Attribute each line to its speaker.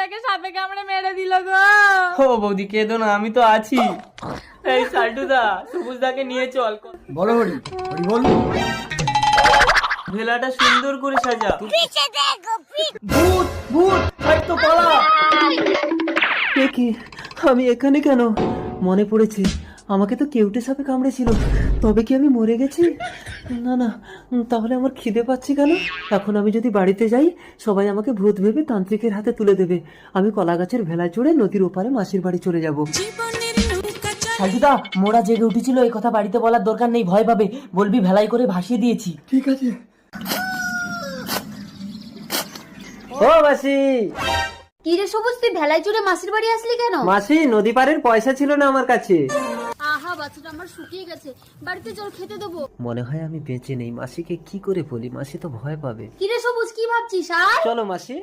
Speaker 1: বৌদিটাকে সাপে কামড়ে মেরে দিল গো।
Speaker 2: ও বৌদি কেঁদো না, আমি তো আছি। এই সাল্টুদা, সবুজদাকে নিয়ে চল।
Speaker 3: বলো হরি, হরি বল।
Speaker 2: ভেলাটা সুন্দর করে সাজা। ভূত ভূত, ছাড় তো, পালা। এ কি, আমি এখানে কেন? মনে পড়েছে, আমাকে তো কেউটে সাপে কামড়েছিল। তবে কি আমি মরে গেছি? না না, তাহলে আমার খিদে পাচ্ছে কেন? এখন আমি যদি বাড়িতে যাই, সবাই আমাকে ভূত ভেবে তান্ত্রিকের হাতে তুলে দেবে। আমি কলা গাছের ভেলায় চড়ে নদীর ওপারে মাসির বাড়ি চলে যাব। সাল্টুদা, মোড়া জেগে উঠেছিল, এই কথা বাড়িতে বলার দরকার নেই, ভয় পাবে। বলবি ভেলাই করে ভাসিয়ে দিয়েছি।
Speaker 3: ঠিক আছে।
Speaker 2: ও মাসি।
Speaker 1: কি রে সবুজ, তুই ভেলায় চড়ে মাসির বাড়ি আসলি কেন?
Speaker 2: মাসি, নদী পারের পয়সা ছিল না আমার কাছে।
Speaker 1: আহা, বাচ্চাটা আমার শুকিয়ে গেছে, বাড়িতে চল খেতে দেবো।
Speaker 2: মনে হয় আমি বেঁচে নেই। মাসিকে কি করে বলি? মাসি তো ভয় পাবে।
Speaker 1: কি রে সবুজ, কি ভাবছিস? আর
Speaker 2: চলো মাসি।